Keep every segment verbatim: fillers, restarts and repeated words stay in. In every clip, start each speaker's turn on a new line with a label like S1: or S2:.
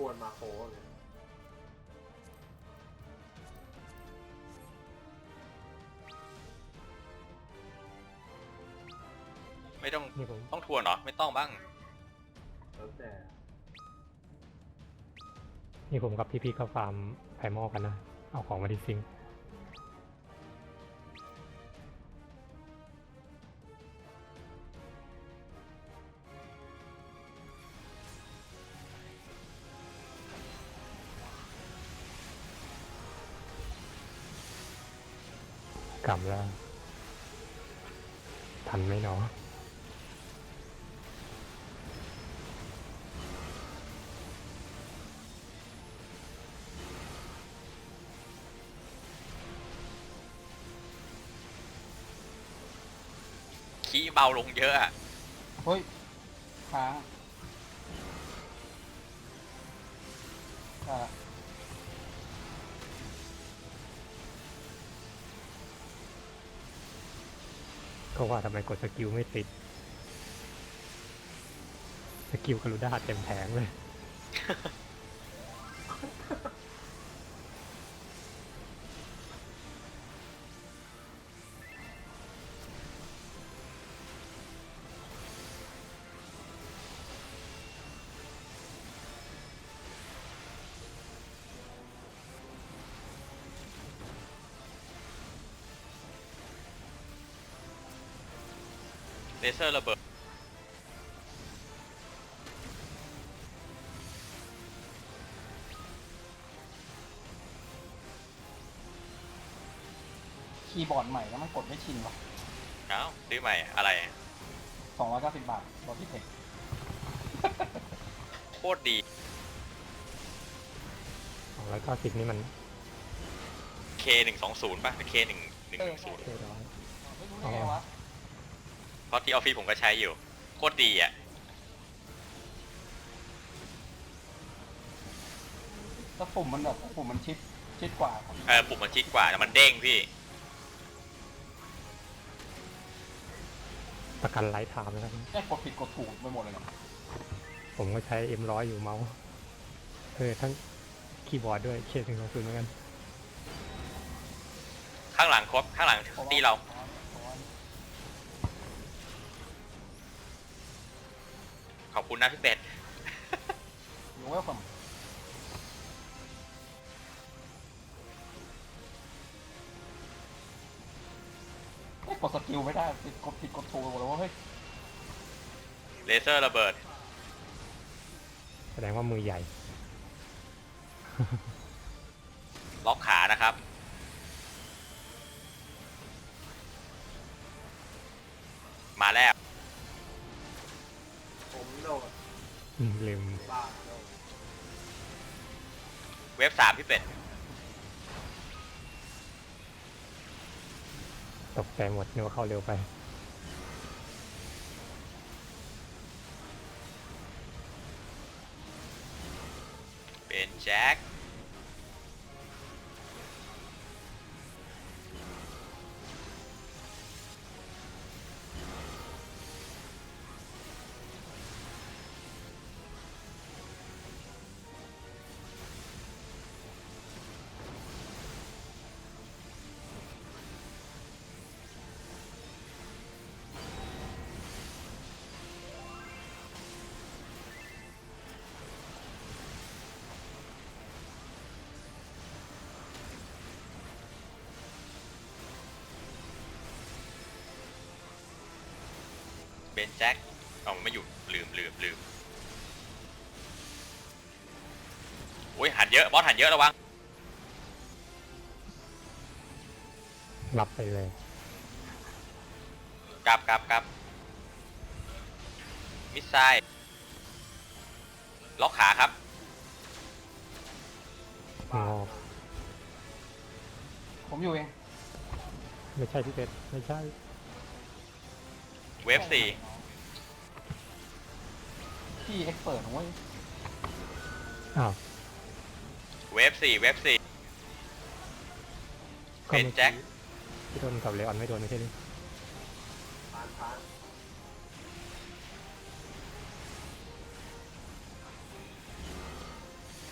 S1: นมาโคเลย
S2: ไม่ต้อง
S3: นี่ผม
S2: ต้องทวนเหรอไม่ต้องบ้าง
S1: แล้วแต่
S3: นี่ผมกับพี่ๆก็ฟาร์มไพมอลกันนะ เอาของมาที่ซิงค์กลับแล้ว ทันไหมเนาะ
S2: ขี้เบาลงเยอะอะ
S4: เฮ้ยค้างอ่า
S3: ก็ว่าทำไมกดสกิลไม่ติด สกิลกรุด้าเต็มแผงเลย
S2: เลเซอร์ระเบิด
S4: คีย์บอร์ดใหม่แล้วมันกดไม่ชินว่ะ
S2: เอ้าซื้อใหม่อะไร
S4: สองร้อยเก้าสิบบาทบอดี้เทค
S2: โคตรดี
S3: สองร้อยเก้าสิบนี่มัน
S2: เค หนึ่งสองศูนย์ ป่ะ เค หนึ่ง หนึ่ง หนึ่ง ศูนย์
S3: เท่ร้อย
S4: ไม่รู้ได้ไงวะ
S2: เพราะที่ออฟฟิศผมก็ใช้อยู่ โคตรดีอ่ะ
S4: แล้วปุ่มมันแบบปุ่มมันชิดชิดกว่า
S2: เออปุ่มมันชิดกว่าแต่มันเด้งพี่
S3: ประกันไลฟ์ไทม์นะครับ
S4: แค่กดผิดกดถูกไปหมดเลยเนี่ย
S3: ผมก็ใช้ เอ็ม ร้อย อยู่เมาส์เออทั้งคีย์บอร์ดด้วยเคสหนึ่งสองศูนย์เหมือนกัน
S2: ข้างหลังครบ ข้างหลังตีเรา ขอบคุณนะพี่เป็ด
S4: อยู่เวลคัมกดสกิลไม่ได้ผิดกดผิดกดถูกไปหมดเลยว่าเฮ้ย
S2: เลเซอร์ระเบิด
S3: แสดงว่ามือใหญ่
S2: ล็อกขานะครับ มาแล้ว
S1: ผมโดด
S3: อืมลืม
S1: บ้าโดด
S2: เว็บสามพี่เป็ด
S3: ตกใจหมดนึกว่าเข้าเร็วไป
S2: เป็นแจ็ค เป็นแจ็คเอามันไม่อยู่ลืมลืมลืมโอ้ยหันเยอะ บอสหันเยอะระวัง
S3: รับไปเลย
S2: กลับกลับกลับมิสไซล์ล็อกขาครับ
S3: อ๋อ
S4: ผมอยู่เอง
S3: ไม่ใช่พี่เป็ดไม่ใช่
S2: เวฟสี่
S4: ที่เอ็กซ์เปิดของเว้ย
S3: อ้าว
S2: เวฟสี่เวฟสี่
S3: ก็
S2: เป็น
S3: มื่อ
S2: แจ็ค
S3: พี่โดนกับเลออนไม่โดนไม่ใช่หรือ
S1: ผ่านผ่าน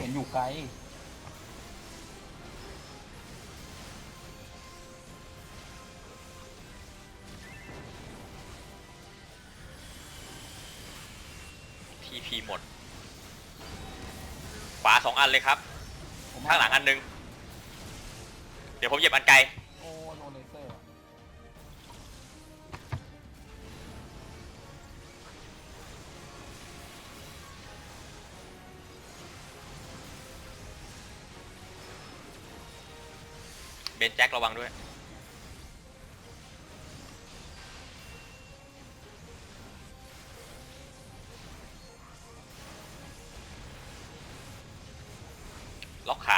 S4: ห็นอยู่ไกล
S2: ทีพีหมดขวาสองอันเลยครับ
S4: ผม
S2: ข้างหลังอันนึง เดี๋ยวผมเหยียบอันไกล
S4: โอ้โดนเลเซอร์
S2: เบนแจ็คระวังด้วย ล็อกขา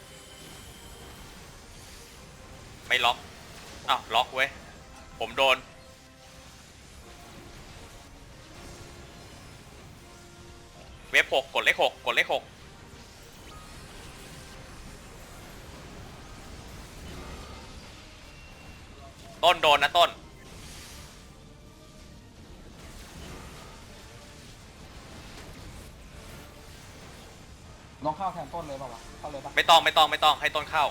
S2: ไม่ล็อก อ้าว ล็อกเว้ย ผมโดน เวฟหกกดเลขหกกดเลขหกต้นโดนนะต้น
S4: น้องเข้าแทนต้นเลยเปล่าวะเข้าเลยปะ
S2: ไม่ต้องไม่ต้องไม่ต้องให้ต้นเข้า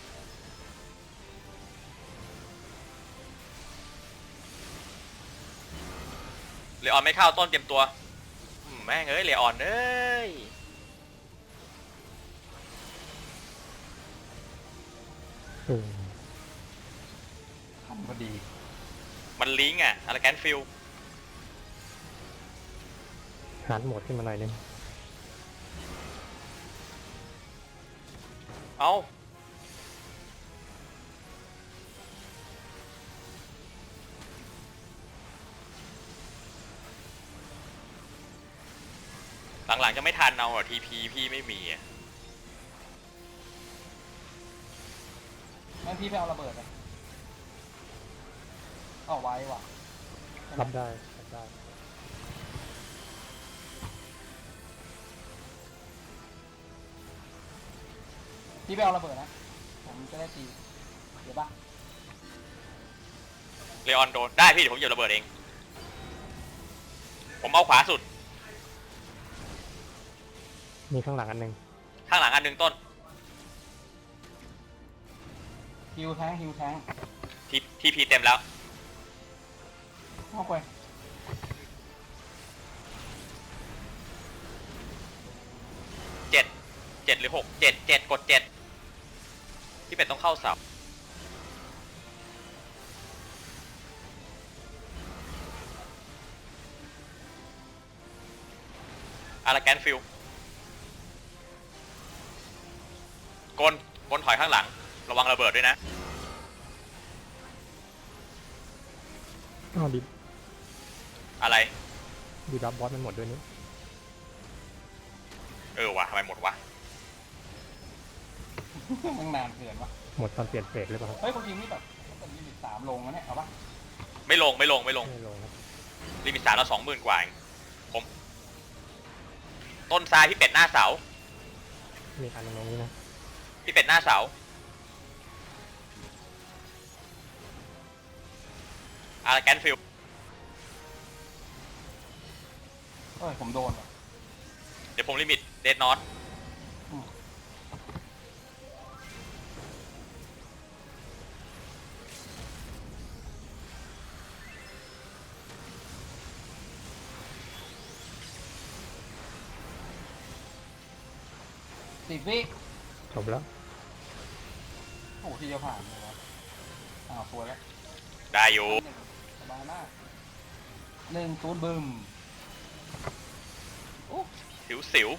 S2: เลออนไม่เข้าต้นเตรียมตัวอืมแม่งเอ้ยเลออนเอ้ย
S3: เออ
S4: ทันพอดี
S2: มันลิงก์อ่ะอะไรแกนฟิล
S3: หันโหมดขึ้นมาหน่อยนึง
S2: เอ้าหลังๆจะไม่ทันเอาอ่ะทีพีพี่ไม่มีอ่ะ
S4: งั้นพี่ไปเอาระเบิดไปเอาไว้ว่ะ
S3: รับได้รับได้
S4: พี่ไปเอาระเบิดนะ ผมจะได้ตีเดี๋ยวปะ
S2: เลออนโดนได้พี่เดี๋ยวผมเหยียบระเบิดเอง ผมเอาขวาสุด
S3: มีข้างหลังอันหนึ่ง
S2: ข้างหลังอันหนึ่งต้น
S4: ฮิวแทงฮิวแทง
S2: ทีทีพีเต็มแล้ว
S4: เข้าไป
S2: เจ็ดเจ็ดหรือหกเจ็ดเจ็ดกดเจ็ดที่เป็ดต้องเข้าเสาอาราแกนฟิลกลกลถอยข้างหลังระวังระเบิดด้วยนะ
S3: อ้าวดิ
S2: อะไร
S3: ดีบัฟบอสมันหมดด้วยนี่
S2: เออวะทำไมหมดวะ
S4: มันนานเกินวะ
S3: หมดตอนเปลี่ยนเฟสหรือเปล่าครับ
S4: เฮ้ยคนทีมนี่แบบเป็นลิมิตสามลงแล้วเนี่ยเอาปะ
S2: ไม่ลงไม่ลงไม่ลง
S3: ไม่ลงครับ
S2: ลิมิตสามเราสองหมื่นกว่าเองผม ต้นทรายพี่เป็ดหน้าเสา
S3: มีอันหนึงตรงนี้นะ
S2: พี่เป็ดหน้าเสาอาราแกนฟิล
S4: เอ้ยผมโดนว่ะ
S2: เดี๋ยวผมลิมิตเดดนอต
S4: อืมสิบวิ
S3: จบแล้ว
S4: โอ้โหที่จะผ่านเลยวะอ้าวสวยแล้ว
S2: ได้อยู่
S4: สบายมากหนึ่งศูนย์บึม
S2: สิวสิว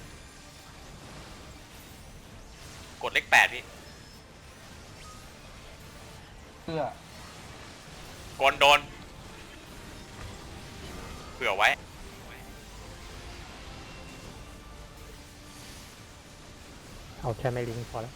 S2: กดเลขแปดพี่
S4: เสื้อก
S2: ลโดนเผื่อไว้
S3: เอาแค่ไม่ลิงก์พอแล้ว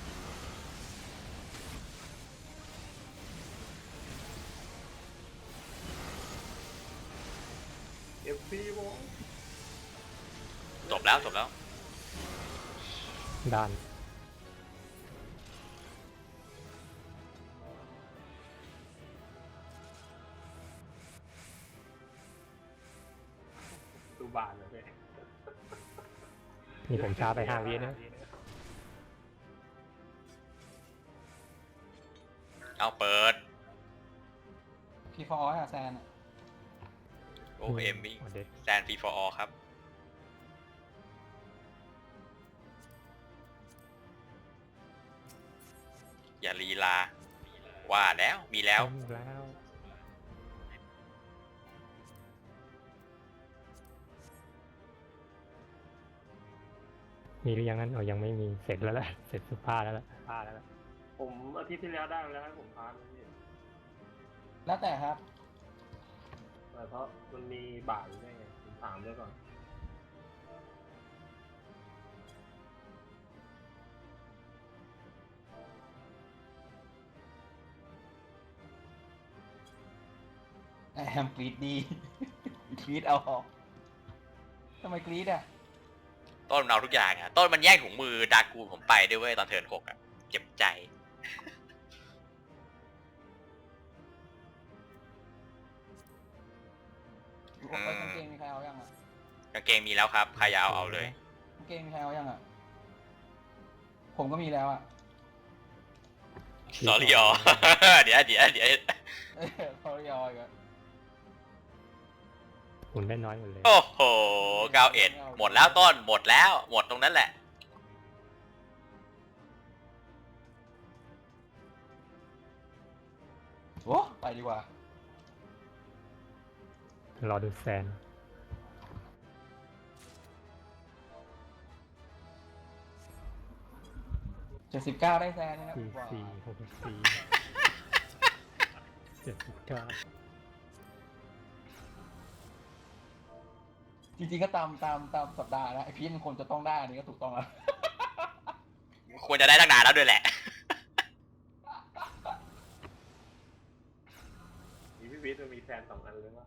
S1: เอฟซีวง
S2: จบแล้วจบแล้ว
S3: ด่าน
S1: ดูบานเลยเว้ย
S3: พนี่ผมช้าไปห้าวินะ
S2: เอาเปิด
S4: พี่ฟอร์อะแซนอะ
S2: โอเอ็มวิ่ง
S3: เด็ก
S2: แซนฟรีฟอร์ออครับ อย่าลีลา ว่าแล้วมีแล้ว
S3: เต็มแล้ว มีหรือยังนั้นอ๋อยังไม่มีเสร็จแล้วแหละเสร็จสุภาพแล้วล่ะผ้าแล้วล่ะ
S1: ผมอาทิตย์ที่แล้วได้มาแล้วให้ผมพานนี่
S4: แล้วแต่ครับ
S1: แต่เพราะมันมีบ่ายได้ไงผมถามด้วยก่อน
S4: แอมกรีดดี กรีดเอาออกทำไมกรีดอ่ะ
S2: ต้นมันเอาทุกอย่างอะต้นมันแย่งถุงมือดากูผมไปด้วยเว้ยตอนเทิร์นหกอะเจ็บใจ
S4: กางเกงมีใครเอายังอ่ะ
S2: กางเกงมีแล้วครับ ใครอยากเอาเอาเลย
S4: กางเกงมีใครเอายังอ่ะ ผมก็มีแล้วอ่ะ
S2: สอรี่อ เดี๋ยวเดี๋ยวเดี๋ยว
S4: เออเขายอยกัน
S3: หุ่นได้น้อยหมดเลย
S2: โอ้โหเก้าเอ็ดหมดแล้วต้นหมดแล้ว หมดตรงนั้นแหละ
S4: โอ้ไปดีกว่า
S3: รอดูแซน
S4: เจ็ดสิบเก้าได้แซนนะครับ
S3: สี่
S4: ว้าว
S3: สี่หกสี่เจ็ดสิบเก้า
S4: จริงๆก็ตามตามตามสัปดาห์นะไอพีทมันควรจะต้องได้อันนี้ก็ถูกต้องแล้ว
S2: ควรจะได้ตั้งนานแล้วด้วยแหละ
S1: มีพี่วิทย์มันมีแฟนสองอันเลยว่า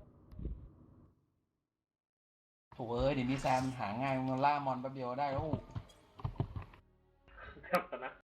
S4: โถูเอ้ยเดี๋ยวนี้แซมหาง่ายมันล่ามอนแป๊บเดียวได้แล้ว